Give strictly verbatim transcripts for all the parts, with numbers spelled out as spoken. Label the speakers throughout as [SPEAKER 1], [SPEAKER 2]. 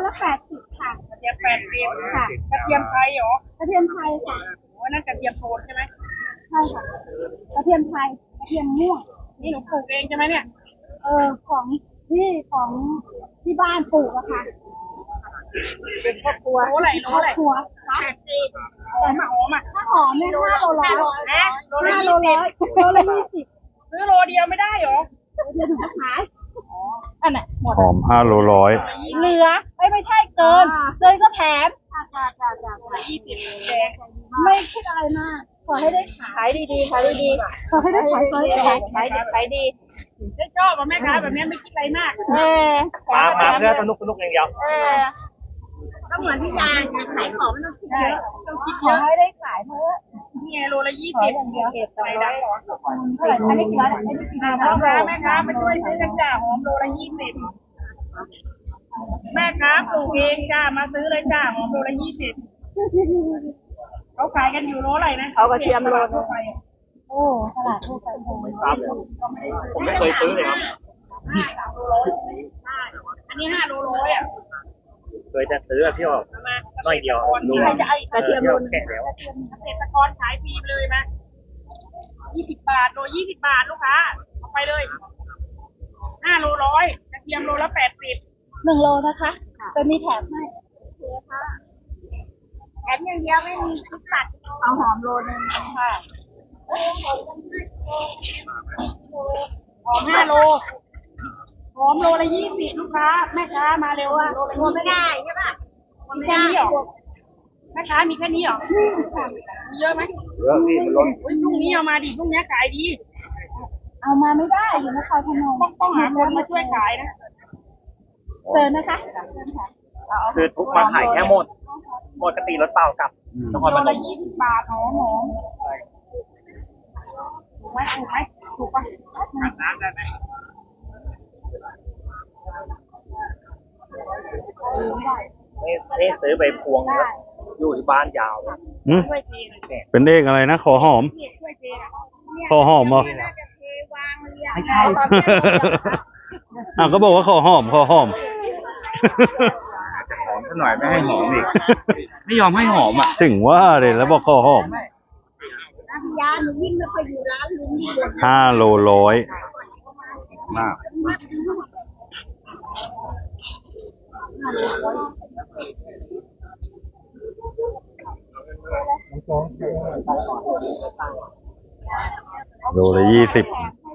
[SPEAKER 1] ละแปดสิบค่ะ
[SPEAKER 2] กระเทียมแปดสิบ
[SPEAKER 1] ค่ะ
[SPEAKER 2] กระเทียมไทยเหรอก
[SPEAKER 1] ระเทียมไทยค่ะ
[SPEAKER 2] โอ้นั่นกระเทียมโทนใช่ไหม
[SPEAKER 1] ใช่ค่ะกระเทียมไทยกระเทียมม่วง
[SPEAKER 2] นี่หนูปลูกเองใช่ไหมเนี่ย
[SPEAKER 1] เออของที่ของที่บ้านปลูกอะค่ะ
[SPEAKER 2] เป็นครอบครัวโลอะไรโลอะไร
[SPEAKER 1] ครัวแปดสิบแต่
[SPEAKER 2] หอมอ่ะ
[SPEAKER 1] ถ้าหอมเนี่ยห้าโลร้อย
[SPEAKER 2] นะโลละ
[SPEAKER 1] ห้าโล
[SPEAKER 2] ยี่สิบ
[SPEAKER 1] ร้อยโลละยี่สิบ
[SPEAKER 2] ซื้อโลเดียวไม่ได้เหรอ
[SPEAKER 1] เดี๋ยวถึงจะขายอันไหนหมด
[SPEAKER 3] หอมห้าโลร้อย
[SPEAKER 1] เหลือไม่ไม่ใช่เกินเกินก็แถมจ้าจ้าจ้าจ้า
[SPEAKER 2] ยี่สิบแดง
[SPEAKER 1] ไม่คิดอะไรมากขอให้ได้ขายดีๆขายดีๆขอให้ได้ขายขายขายขายดี
[SPEAKER 2] ได้ชอบแม่ค้าแบบนี้ไม่คิดอะไรมาก
[SPEAKER 1] เออ
[SPEAKER 3] มามาเพื่อสนุกสนุกอย่างเดียว
[SPEAKER 1] เออก็เหมือนที่ยางขายของไม่ต้องคิดเยอะต้องคิดเยอะให้ได้ขายเพื่อ
[SPEAKER 2] นี่ไงโลละยี่สิบ
[SPEAKER 1] อย่างเดียว
[SPEAKER 2] ใส่ได้หรอ
[SPEAKER 1] เท่าไหร่อันนี้กี่ร้อยอันนี้กี่ร้อย
[SPEAKER 2] พ่อค้าแม่ค้ามาช่วยซื้อกันจ้าหอมโลละยี่สิบแม่ค้าปลูกเองจ้ามาซื้อเลยจ้าหอมโลละยี่สิบเขาขายกันอยู่โลอะไรนะ
[SPEAKER 1] เขากระเทียมโลทั่วไปโอ้ตลาดทั่วไป
[SPEAKER 3] ไม่ทราบเลยผมไม่เคยซื้อเลยครับ
[SPEAKER 2] อันนี้ห้าโลร้อยอ่ะ
[SPEAKER 3] เคยจะซื้อพี่ออกน้อยเดียว
[SPEAKER 1] มีใครจะเอากระเทียมโล
[SPEAKER 3] แก่แล้ว
[SPEAKER 2] เกษตรกรขายฟรีเลยไหมยี่สิบบาทโลยี่สิบบาทลูกค้าเอาไปเลยห้าโลร้อยกระเทียมโลละแปดสิบ
[SPEAKER 1] หนึ่งโลนะคะจะมีแถมให้แถมอย่างเดียวไม่มีทุกตัดเอาหอมโลนึงค่ะ
[SPEAKER 2] หอมห้าโลหอมโลละยี่สิบลูกค้าแม่ค้ามาเร็วอ่ะโลละยี่สิบ
[SPEAKER 1] ไม่ได้ใช่ป่ะ
[SPEAKER 2] มีแค่นี้หรอแม่ค้ามีแค่นี้หรอมีเยอะไหม
[SPEAKER 3] เยอะพี่มันล้น
[SPEAKER 2] พรุ่งนี้เอามาดิพรุ่งนี้ขายดี
[SPEAKER 1] เอามาไม่ได้อยู่นครพนม
[SPEAKER 2] ต้องต้องหาคนมาช่วยขายนะ
[SPEAKER 1] เจอนะคะ
[SPEAKER 3] คือทุกมาขายแค่หมดหมดกติรถเปล่ากลับ
[SPEAKER 2] นครพนมยี่สิบบาทหอมหอมถูกไหมถูกไหมถูกปะน้ำได้ไหม
[SPEAKER 3] ไม่ไม่ซื้อใบพวงอยู่ที่บ้านยาวเป็นเอกอะไรนะขอหอมขอหอมเหรอ
[SPEAKER 2] ไม่ใช่
[SPEAKER 3] อ่ะก็บอกว่าขอหอมขอหอม
[SPEAKER 4] จะหอมซะหน่อยไม่ให้หอมอีกไม่ยอมให้หอมอ่ะ
[SPEAKER 3] ถึงว่าเลยแล้วบอกขอหอม
[SPEAKER 1] ยาหนูยิ่งไม่ค่อยอยู่ร้านลุง
[SPEAKER 3] ห้าโลร้อย
[SPEAKER 4] มาก
[SPEAKER 3] โลละยี่สิบ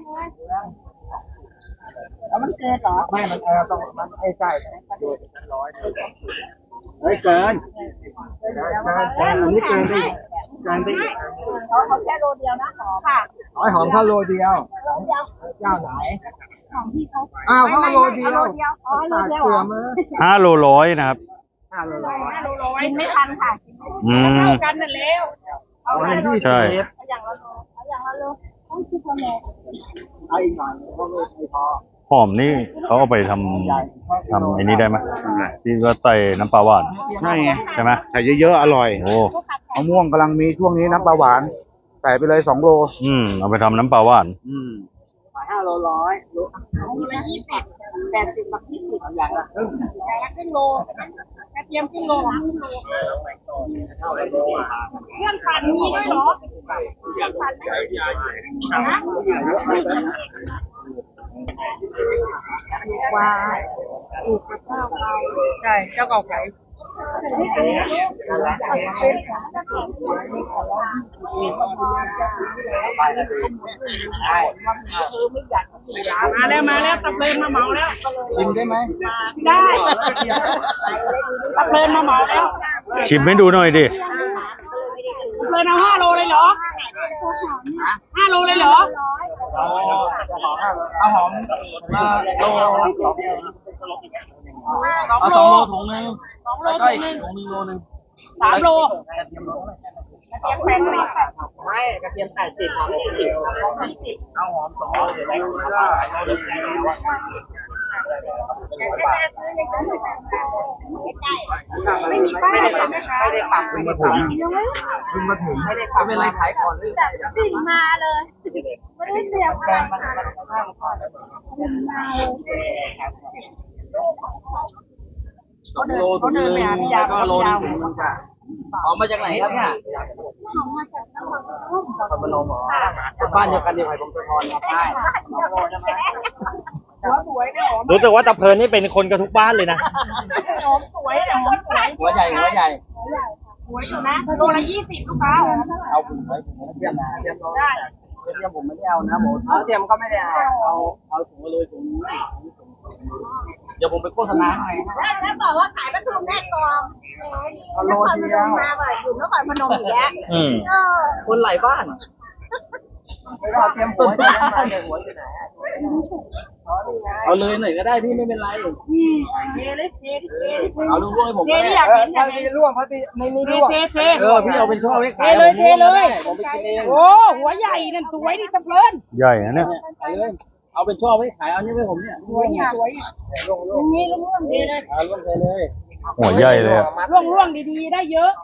[SPEAKER 1] แล้วมันเกินเหรอ
[SPEAKER 4] ไม่มันเออต้องมันไอ้ใช่ดูร้อยไม่เกินเกินเกินอันนี้เกินไปเกินไป
[SPEAKER 1] เขาเขาแค่โลเดียวนะหอมค่ะ
[SPEAKER 4] ร้อยหอมแค่โลเดียว
[SPEAKER 1] โลเดียว
[SPEAKER 4] เจ้าไหน
[SPEAKER 1] ของที่เขา
[SPEAKER 4] อ้าวเขาโลเดียว
[SPEAKER 1] อ๋อโลเดียว
[SPEAKER 3] ห้าโลร้อยนะครับ
[SPEAKER 4] ห้าโลร้อย
[SPEAKER 2] ห้าโลร้อย
[SPEAKER 1] กินไม่ทันค่ะ
[SPEAKER 3] อืม
[SPEAKER 2] เท่ากันนั่นแล้ว
[SPEAKER 4] เอาอย่าง
[SPEAKER 3] ใช่
[SPEAKER 1] อย่างละโลเอาอย่างละโลต้องคิดละโล
[SPEAKER 4] เอาอีกหน่อยเพราะไม่พอ
[SPEAKER 3] หอมนี่เขาเอาไปทำทำไอ้นี้ได้ไหมที่ก็ใส่น้ำปลาหวาน
[SPEAKER 4] ใช่ไง
[SPEAKER 3] ใช่ไหม
[SPEAKER 4] ใส่เยอะๆอร่อย
[SPEAKER 3] โอ้
[SPEAKER 4] มะม่วงกำลังมีช่วงนี้น้ำปลาหวานใส่ไปเลยสองโล
[SPEAKER 3] อืมเอาไปทำน้ำปลาหวาน
[SPEAKER 4] อืมห้าโลร้อยโล
[SPEAKER 2] ละยี่สิบ
[SPEAKER 1] แปดสิบกับยี่สิบ
[SPEAKER 4] อย่างละครึ่ง
[SPEAKER 2] อย่างละครึ่งโลกระเทียมครึ่งโลครึ่งโลเครื่องปั่นมีด้วยเหรอเครื่องปั่นนะ
[SPEAKER 1] ว้าถูกเจ้าเก่า
[SPEAKER 2] ใช่เจ้าเก่าขายมาแล้วมาแล้วตับเลินมาเหมาแล้ว
[SPEAKER 4] ชิมได้ไหม
[SPEAKER 2] ได้ตับเลินมาเหมาแล้ว
[SPEAKER 3] ชิมให้ดูหน่อยดิ
[SPEAKER 2] ตับเลินเอาห้าโลเลยเหรอห้าโลเลยเหรอ
[SPEAKER 4] เอาหอมมาโลเอาสองโลถุงนึง
[SPEAKER 2] สองโลถุงนึง
[SPEAKER 4] ถุงนึงโลนึง
[SPEAKER 2] สามโล
[SPEAKER 4] กระเทียมโล
[SPEAKER 2] กระเทียมแปดสิบ
[SPEAKER 4] ไม่กระเทียมแปดสิบหอมสี่สิบเอาหอมสองโลเดี๋ยวได้
[SPEAKER 2] ไม่มีป้ายเลยนะคะไม่ได้
[SPEAKER 4] ปักเพิ่งมาถึงเพิ่งมาถึงไม่ได้ปักเป็นไรขายก่อนหรือ
[SPEAKER 1] สิ่งมาเลยไม่ได้เสียบอะไรค่ะสิ่งมาเลย
[SPEAKER 2] เขาเดินเขาเดินไปหาพี่ยาก็โลนึงมึงค่ะ
[SPEAKER 5] ออกมาจากไหนครับเนี่ยพนมบ้านเดียวกันเดียวกับผมสะทอนครับใช่
[SPEAKER 2] หัวสวยเนี่ยหอม
[SPEAKER 3] รู้สึกว่าตะเพลินนี่เป็นคนกันทุกบ้านเลยนะ
[SPEAKER 2] หอมสวยเนี่ยหอมสวย
[SPEAKER 5] หัวใหญ่หัวใหญ่
[SPEAKER 2] สวยอยู่นะโลละยี่สิบลูกค้าหอม
[SPEAKER 5] เอาผมไว้ผมไม่เทียมนะเทียม
[SPEAKER 2] ได้
[SPEAKER 5] เทียมผมไม่ได้เอานะผมเอาเทียมก็ไม่ได้เอาเอาเอาถุงมาเลยถุงเดี๋ยวผมไปโฆษณาให้
[SPEAKER 1] แล้วแล้วบอกว่าขายปลาทูแม่กองแหมนี่นครพนมมาบ่อยอยู่นครพนมอีกแล้ว
[SPEAKER 3] อืม
[SPEAKER 1] เออ
[SPEAKER 5] คนหลายบ้านไม่เอาเทียมหัวจะได้เทียมหัวอยู่ไหนเอาเลยหน่อยก็ได้พี่ไม่เป็นไร
[SPEAKER 2] เทเลยเทเท
[SPEAKER 5] เอาลูกๆให้ผม
[SPEAKER 2] เท
[SPEAKER 5] ก็
[SPEAKER 2] นี่
[SPEAKER 5] ได้
[SPEAKER 2] อยากเห็นอยาก
[SPEAKER 4] ถ้า
[SPEAKER 2] เห็
[SPEAKER 4] ดี
[SPEAKER 2] น
[SPEAKER 4] ร่วงพอดีไม่มี
[SPEAKER 2] เท
[SPEAKER 4] ร่วง
[SPEAKER 2] เทเท
[SPEAKER 5] เออพี่เอาเป็นช่อไว้
[SPEAKER 2] เท
[SPEAKER 5] ขาย
[SPEAKER 2] เลยเทเลย
[SPEAKER 5] ผมไปกินเอง
[SPEAKER 2] โอ้หัวใหญ่นั่นสวยดิตะเพลิน
[SPEAKER 3] ใหญ่นะเนี่ย
[SPEAKER 5] เอาเลยเอาเป็นช่อไว้ขายเอานี่ไว้ผมเนี่ย
[SPEAKER 2] สวยเนี่ยสวย
[SPEAKER 1] อย่างนี้ลุงลุง
[SPEAKER 2] เทเลย
[SPEAKER 5] เอาลงไปเลย
[SPEAKER 3] หัวใหญ่เลยอะ
[SPEAKER 2] ร่วงร่วงดีๆได้เยอะ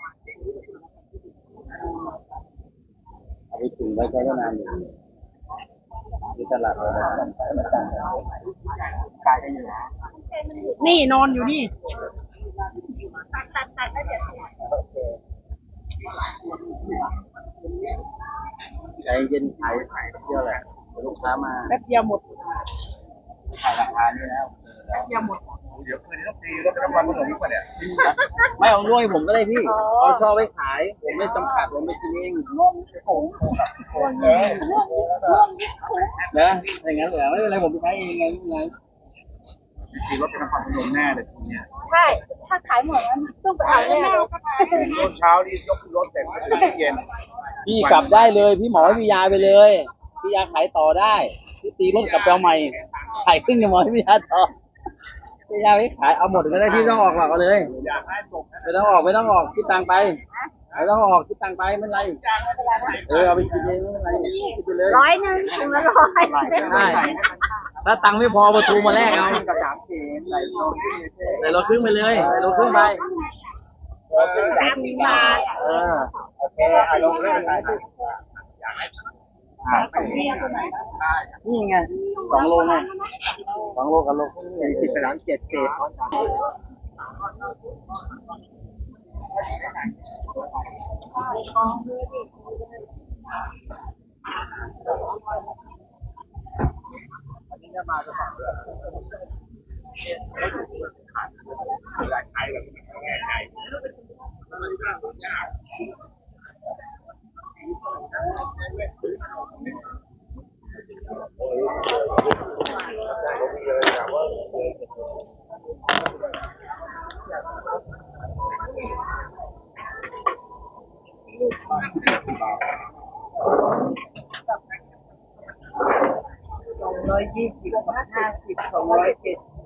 [SPEAKER 5] เอาไปถึงได้ใช้ได้นานอยู่ที่ตลาดเราขายกันอยู่นะ
[SPEAKER 2] นี่นอนอยู่นี่
[SPEAKER 1] ตัดตัดตัดแล้วเดี๋ยว
[SPEAKER 5] ใจเย็นขายขายเที่ยวแหละลูกค้ามา
[SPEAKER 2] แป๊บเดียวหมด
[SPEAKER 5] ขายราคานี่แล้ว
[SPEAKER 2] แป๊บเดียวหมด
[SPEAKER 4] เดี๋ยวคืนนี้ต้องตีรถน้ำมันผสมอีกว่าเนี่ย
[SPEAKER 5] ไม่เอาด้วยผมก็ได้พี่เอาช่อไว้ขายผมไม่จำกัดผมไม่กินเอง
[SPEAKER 1] ร่วงถุง
[SPEAKER 5] เออนะอย่างนั้นเหรอไม่เป็นไรผมไปใช้เองไงไม่เป็นไร
[SPEAKER 4] ตีรถน้ำมันผสมแน่เลยทีเนี้ย
[SPEAKER 1] ใช่ถ้าขายหมดแล้วต้องไปเอาแน่เลย
[SPEAKER 4] รถเช้านี่ยกรถเสร็จเย็น
[SPEAKER 5] พี่กลับได้เลยพี่หมอให้พี่ยาไปเลย พี่ยาขายต่อได้พี่ตีรถกลับไปเอาใหม่ขายครึ่งยังหมอให้พี่ยาต่อพี่ยาไม่ขายเอาหมดก็ได้ที่ต้องออกหรอกเอาเลยไม่ต้องออกไม่ต้องออกคิดตังค์ไปไม่ต้องออกคิดตังค์ไปไม่เป็นไรเออเอาไปกินเองไม่เป็นไรคิดไปเลย
[SPEAKER 1] ร้อยหนึ่งถุงละร้อย
[SPEAKER 5] ได้ถ้าตังค์ไม่พอประตูมาแลกเอา
[SPEAKER 4] กระดาษเขียนไหลลงที่
[SPEAKER 5] ใส่รถครึ่งไปเลยใส่รถครึ่งไป
[SPEAKER 1] สามสิบบาท
[SPEAKER 5] เออ
[SPEAKER 4] โอเคอ่ะลงเรื่องไหน
[SPEAKER 5] นี่ไงสองโลไงสองโลกับโลครึ่ง
[SPEAKER 4] สี่สิบไปล้านเจ็ดเกต
[SPEAKER 2] ร้อยยี่สิบห้าสิบสองร้อยเจ็ด